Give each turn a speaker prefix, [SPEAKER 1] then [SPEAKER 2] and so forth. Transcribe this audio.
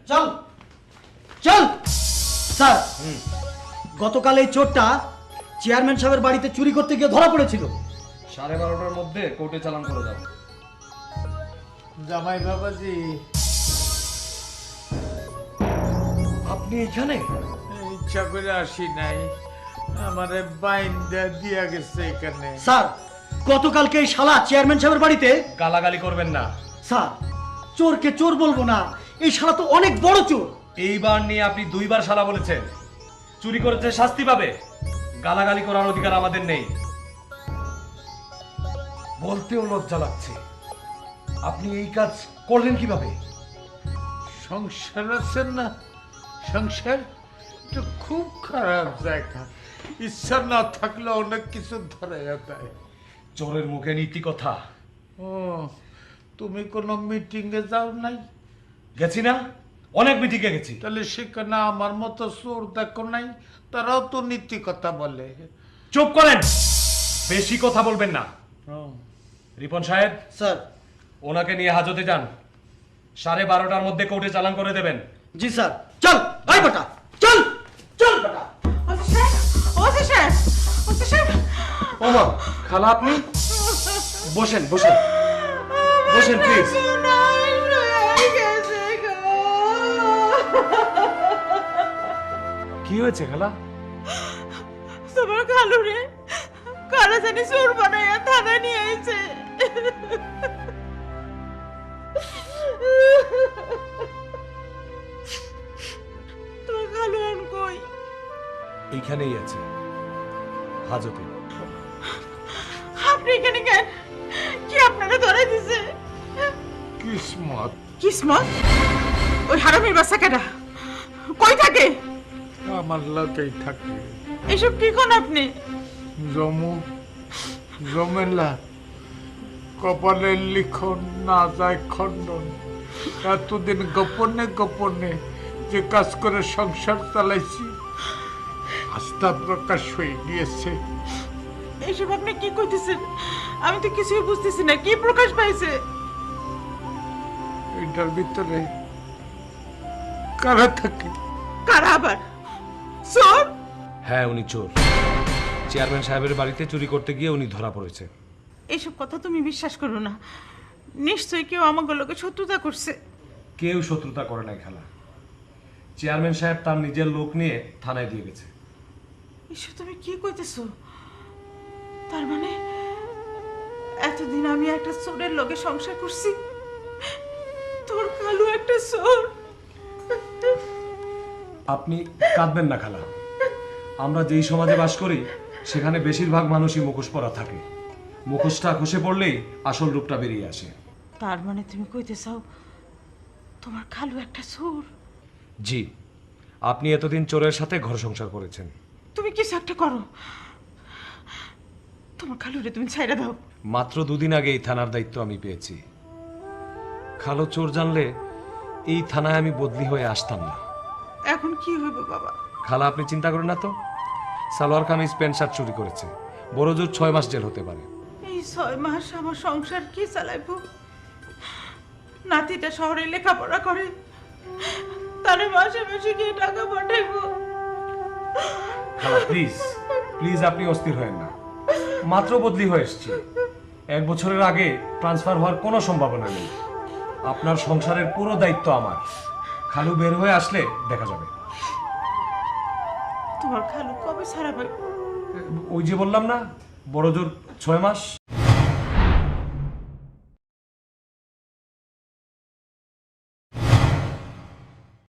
[SPEAKER 1] চল চল। স্যার, গতকাল এই চোরটা চেয়ারম্যান সাহেবের বাড়িতে চুরি করতে গিয়ে ধরা পড়েছিল।
[SPEAKER 2] 12:30টার মধ্যে কোর্টে চালান করে দাও।
[SPEAKER 3] জামাই বাবাজি,
[SPEAKER 2] আপনি এখানে?
[SPEAKER 3] ইচ্ছা করে আসি নাই, আমারে বাইন্দা দিয়া গেছে এখানে।
[SPEAKER 1] স্যার, গতকালকে এই শালা চেয়ারম্যান সাহেবের বাড়িতে।
[SPEAKER 2] গালাগালি করবেন না
[SPEAKER 1] স্যার, চোরকে চোর বলবো না, এই শালা তো অনেক বড় চোর।
[SPEAKER 2] এইবার নিয়ে আপনি 2বার শালা বলেছেন। চুরি করেছে শাস্তি পাবে, গালাগালি করার অধিকার আমাদের নেই। বলতেও লজ্জা লাগছে, আপনি এই কাজ করলেন কিভাবে?
[SPEAKER 3] সংসার আছেন না, সংসার তো খুব খারাপ জায়গা, ইচ্ছা না থাকলে অনেক কিছু ধরে যায়।
[SPEAKER 2] চোরের মুখে নীতি কথা।
[SPEAKER 3] ও, তুমি কোনো মিটিং এ যাও নাই?
[SPEAKER 2] গেছি না, অনেক মিটিংয়ে গেছি।
[SPEAKER 3] তাহলে সেখানে আমার মতো চোর দেখো নাই? তারাও তো নীতি কথা বলে।
[SPEAKER 2] চুপ করেন, বেশি কথা বলবেন না।
[SPEAKER 3] ও,
[SPEAKER 2] রিপন সাহেব,
[SPEAKER 1] স্যার।
[SPEAKER 2] ওনাকে নিয়ে হাজতে যান। 12:30টার মধ্যে কোর্টে চালান করে দেবেন।
[SPEAKER 1] জি স্যার। চল ভাই বেটা, চল চল বেটা।
[SPEAKER 2] ওমা, খালা আপনি? বসেন বসেন বসেন প্লিজ। কি হয়েছে খালা?
[SPEAKER 4] তোমার খালু রে কারা জানি চোর বানাইয়া থানায় নিয়ে আইছে। তোমার খালু এখন কই?
[SPEAKER 2] এইখানেই আছে, হাজতে।
[SPEAKER 4] আপনি এখানে কেন? কি আপনারা ধরাই দিছে?
[SPEAKER 3] কিসমত
[SPEAKER 4] কিসমত? ওই হারামির বাচ্চা কেডা? কই থাকে?
[SPEAKER 3] আমার লোকেই থাকে।
[SPEAKER 4] এসব কি কোন আপনি?
[SPEAKER 3] জমু জমেলা, কপালের লিখন না যায় খণ্ডন। এতদিন গোপনে গোপনে যে কাজ করে সংসার চালাইছি, আস্থা প্রকাশ হয়ে গিয়েছে।
[SPEAKER 4] এসব আপনি কি কইতেছেন? আমি তো কিছুই বুঝতেছি না, কি প্রকাশ পাইছে?
[SPEAKER 3] এটার ভিতরে কারা থাকে?
[SPEAKER 4] কারা আবার? চোর?
[SPEAKER 2] হ্যাঁ, উনি চোর। চেয়ারম্যান সাহেবের বাড়িতে চুরি করতে গিয়ে উনি ধরা পড়েছে।
[SPEAKER 4] এইসব কথা তুমি বিশ্বাস করো না, নিশ্চয়ই কেউ আমাকে লোকে শত্রুতা করছে।
[SPEAKER 2] কেউ শত্রুতা করে নাই খালা। চেয়ারম্যান সাহেব তার নিজের লোক নিয়ে থানায় দিয়ে গেছে।
[SPEAKER 4] এসব তুমি কি কইতেছো? তার মানে এতদিন আমি একটা চোরের লগে সংসার করছি, তোর কালু একটা চোর।
[SPEAKER 2] আপনি কাঁদবেন না খালা। আমরা যেই সমাজে বাস করি সেখানে বেশিরভাগ মানুষই মুখোশ পরা থাকে। মুখোশটা খসে পড়লেই আসল রূপটা বেরিয়ে আসে।
[SPEAKER 4] তার মানে তুমি কইতে চাও তোমার খালু একটা চোর?
[SPEAKER 2] জি, আপনি এতদিন চোরের সাথে ঘর সংসার করেছেন।
[SPEAKER 4] তুমি কিছু একটা করো, তোমার খালুরে তুমি ছাইড়া দাও।
[SPEAKER 2] মাত্র 2 দিন আগে এই থানার দায়িত্ব আমি পেয়েছি। খালো চোর জানলে এই থানায় আমি বদলি হয়ে আসতাম না।
[SPEAKER 4] এখন কি হইব বাবা?
[SPEAKER 2] খালা, আপনি চিন্তা করেন না তো। সালোয়ার কামিজ প্যান্ট শার্ট চুরি করেছে, বড় জোর 6 মাস জেল হতে পারে।
[SPEAKER 4] এই 6 মাস আমার সংসার কি চালাইব? নাতিটা শহরে লেখাপড়া করে, তারে মাসে মাসে গিয়ে টাকা পাঠাইব।
[SPEAKER 2] খালা প্লিজ প্লিজ, আপনি অস্থির হয়েন না। মাত্র বদলি হয়ে এসেছি, 1 বছরের আগে ট্রান্সফার হওয়ার কোনো সম্ভাবনা নেই। আপনার সংসারের পুরো দায়িত্ব আমার। খালু বের হয়ে আসলে দেখা যাবে।
[SPEAKER 4] তোমার খালু কবে ছাড়া পাইব?
[SPEAKER 2] ওই যে বললাম না, বড় জোর 6 মাস।